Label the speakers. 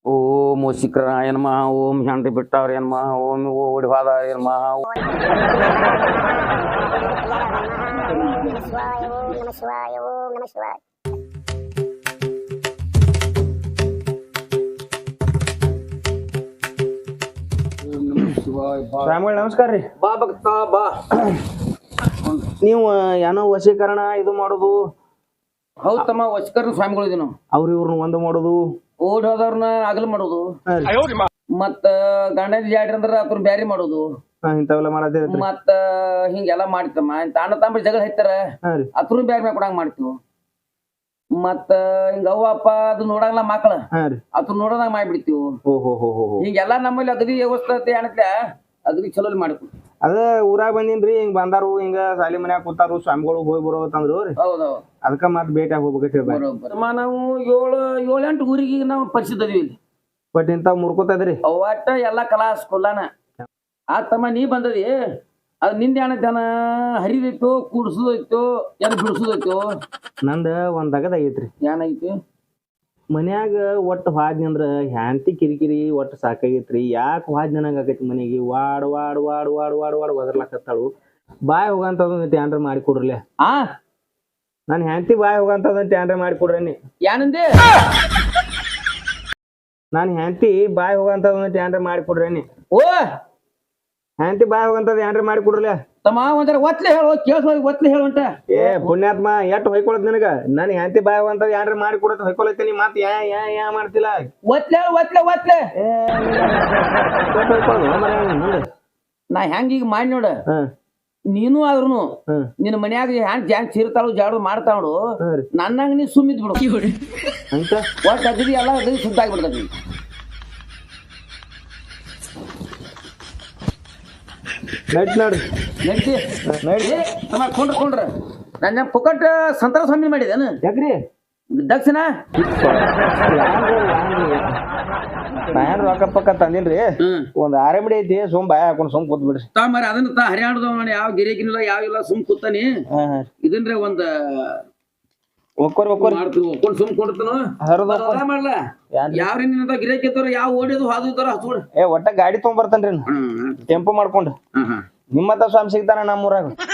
Speaker 1: ಓಂ ಶಿಖರಾಯ ನಮಃ ಓಂ ಶಾಂತಿ ಬಿಟ್ಟವ್ರ ನಮಃ ಓಂ ಓಡಿ ಹೋದವ್ರ ನಮಃ
Speaker 2: ಸ್ವಾಮಿಗಳು ನಮಸ್ಕಾರ ರೀ.
Speaker 1: ಬಾ ಭಕ್ತ ಬಾ.
Speaker 2: ನೀವು ಏನೋ ವಶೀಕರಣ ಇದು ಮಾಡೋದು,
Speaker 1: ಹೌದ್ ತಮ್ಮ ವಶೀಕರಣ ಸ್ವಾಮಿಗಳು ಇದೀವಿ ನಾವು.
Speaker 2: ಅವ್ರ ಇವ್ರನ್ನ ಒಂದು ಮಾಡೋದು,
Speaker 1: ಓಡಿ ಹೋದವ್ರನ್ನ ಅಗಲ್ ಮಾಡೋದು, ಮತ್ತ ಗಂಡನ ಜಾಡ್ರಿ ಅಂದ್ರ ಅದ್ರ ಬ್ಯಾರಿ ಮಾಡೋದು,
Speaker 2: ಇಂಥವೆಲ್ಲ ಮಾಡತ್ತೇರಿ.
Speaker 1: ಮತ್ತ ಹಿಂಗೆಲ್ಲಾ ಮಾಡ್ತಮ್ಮ. ಅಣ್ಣ ತಮ್ಮ ಜಗಳ ಹೈತಾರ ಅದ್ರ ಬ್ಯಾರಿ ಮ್ಯಾಗ ಕೊಡಂಗ್ ಮಾಡ್ತೀವಿ. ಮತ್ತ ಹಿಂಗ ಅವ್ವ ಅಪ್ಪ ಅದು ನೋಡಂಗಿಲ್ಲ ಮಕ್ಳ ಅದ್ರ ನೋಡೋದಂಗ ಮಾಡ್ಬಿಡ್ತೀವಿ. ಹಿಂಗೆಲ್ಲಾ ನಮ್ಮಲ್ಲಿ ಅಗದಿ ವ್ಯವಸ್ಥೆ ಏನತ್ಲೆ ಅಗದಿ ಚಲೋ ಮಾಡ್ತೀವಿ.
Speaker 2: ಅದ ಊರಾಗ ಬಂದಿನ್ರಿ, ಹಿಂಗ್ ಬಂದಾರು ಹಿಂಗ ಸಾಲಿ ಮನ್ಯಾಗ ಕೂತಾರು ಸ್ವಾಮಿಗಳು ಹೋಗಿ ಬರೋ ತಂದ್ರು.
Speaker 1: ಹೌದೌದು,
Speaker 2: ಅದಕ್ಕ ಮತ್ ಭೇಟಿ ಹೋಗ್ಬೇಕಂತ
Speaker 1: ನಾವು 7-8 ಊರಿಗೆ ನಾವು ಪರಿಚಿತ ಅದೀವಿ ಇಲ್ಲಿ.
Speaker 2: ಬಟ್ ಇಂತಾವ್ ಮುರ್ಕೋತದ್ರಿ
Speaker 1: ಒಟ್ಟ ಎಲ್ಲಾ ಕಲಾ ಸ್ಕೂಲಾನ. ಆ ತಮ್ಮ ನೀ ಬಂದದಿ, ಅದ್ ನಿಂದ ಏನೈತನ ಹರಿದೈತು, ಕೂಡ್ಸುದೈತು, ಏನ್ ಬಿಡ್ಸುದೈತು.
Speaker 2: ನಂದ ಒಂದ್ ಆಗೈತ್ರಿ.
Speaker 1: ಏನೈತಿ
Speaker 2: ಮನ್ಯಾಗ ಒಟ್ಟು ಹಾದ್ನಿ ಅಂದ್ರ ಹ್ಯಾಂತಿ ಕಿರಿಕಿರಿ ಒಟ್ಟು ಸಾಕಾಗೈತ್ರಿ. ಯಾಕೆ ಹಾದ್ನಿ ನಂಗ ಆಗೈತಿ ಮನೆಗೆ. ವಾಡ್ ವಾಡ್ ವಾಡ್ ವಾಡ್ ವಾಡ್ ವಾಡ್ ಒದರ್ಲಾಕತ್ತಾಳು. ಬಾಯ್ ಹೋಗಂತದ ಟ್ಯಾಂಡ್ರ ಮಾಡಿ ಕೊಡ್ರಲೆ. ನನ್ ಹ್ಯಾಂತಿ ಬಾಯ್ ಹೋಗಂತದ ಟ್ಯಾಂಡ್ರ ಮಾಡಿ ಕೊಡ್ರಿ.
Speaker 1: ಏನಂದೆ?
Speaker 2: ನಾನ್ ಹ್ಯಾಂತಿ ಬಾಯ್ ಹೋಗಂತದ ಟ್ಯಾಂಡ್ರ ಮಾಡಿ ಕೊಡ್ರಿ.
Speaker 1: ಓ
Speaker 2: ಹ್ಯಾಂತಿ ಬಾಯ್ ಹೋಗಂತದ ಏನ್ರ ಮಾಡಿ ಕೊಡ್ರಲೆ.
Speaker 1: ತಮ್ಮ ಒಂಥರ ಒತ್ಲೆ ಹೇಳು, ಕೇಳ್ಸ ಒತ್ಲೆ ಹೇಳುಂಟ.
Speaker 2: ಏ ಪುಣ್ಯಾತ್ಮ, ಎಟ್ ಹೊಯ್ಕೊಳತ್ ನಿನಗ. ನನ್ ಹ್ಯಾಂತಿ ಬಾಯ್ ಹೋಗಂತದ ಏನ್ರ ಮಾಡಿ ಕೊಡತ್ ಹೊಯ್ಕೊಳತ್ತೀನಿ. ಮತ್ ಯಾ ಮಾಡ್ತಿಲ್ಲ.
Speaker 1: ಒತ್ಲೆ ಒತ್ಲೆ ಒತ್ಲೆ ನಾ ಹೆಂಗ ಈಗ ಮಾಡಿ ನೋಡ. ನೀನು ಆದ್ರುನು ನಿನ್ ಮನ್ಯಾಗ ಹ್ಯಾಂಗ್ ಚೀರ್ತಾಳು ಜಾಡು ಮಾಡ್ತಾಳು, ನನ್ನಂಗ ನೀ ಸುಮ್ಮಿದ್ ಬಿಡು. ಒಟ್ಟು ಅಗದಿ ಎಲ್ಲ ಅಗದಿ ಶುದ್ಧ ಆಗ್ಬಿಡ್ತದ. ಕೊಂಡ್ರ ನನ್ನ ಪುಕಟ್ ಸಂತರ ಸ್ವಾಮಿ ಮಾಡಿದೇನು
Speaker 2: ಯಾಕ್ರಿ
Speaker 1: ದಕ್ಷಿಣ?
Speaker 2: ನಾನ್ ರೊಕ್ಕ ಪಕ್ಕ ತಂದಿಲ್ರಿ. ಒಂದ್ ಆರೆಮಡಿ ಐತಿ, ಸುಮ್ ಬಾಯ ಹಾಕೊಂಡ್ ಸುಮ್ ಕೂತ್ ಬಿಡ್ರಿ.
Speaker 1: ಮರಿ ಅದನ್ನ ಹರಿಯಾಣದ ಯಾವ ಗಿರಿಕಿನಿಲ್ಲ ಯಾವ ಇಲ್ಲ, ಸುಮ್ ಕೂತಾನಿ. ಇದನ್ರಿ ಒಂದ್ ಮಾಡ್ಕೊಂಡು ಸುಮ್ ಕೊಡ್ತಾನ ಮಾಡ್ಲ. ಯಾವ್ರ ಗಿರಾಕಿ ಇರ್ತಾರ, ಯಾವ ಓಡಿದು ಹಾದು ಇರ್ತಾರ ಹಚ್ಕೊಡ.
Speaker 2: ಒಟ್ಟ ಗಾಡಿ ತಗೊಂಡ್ ಬರ್ತೇನ್ರಿ, ಟೆಂಪೋ ಮಾಡ್ಕೊಂಡು. ನಿಮ್ಮತ್ತ ಸ್ವಾಮಿ ಸಿಗ್ತಾನ ನಮ್ಮೂರಾಗ.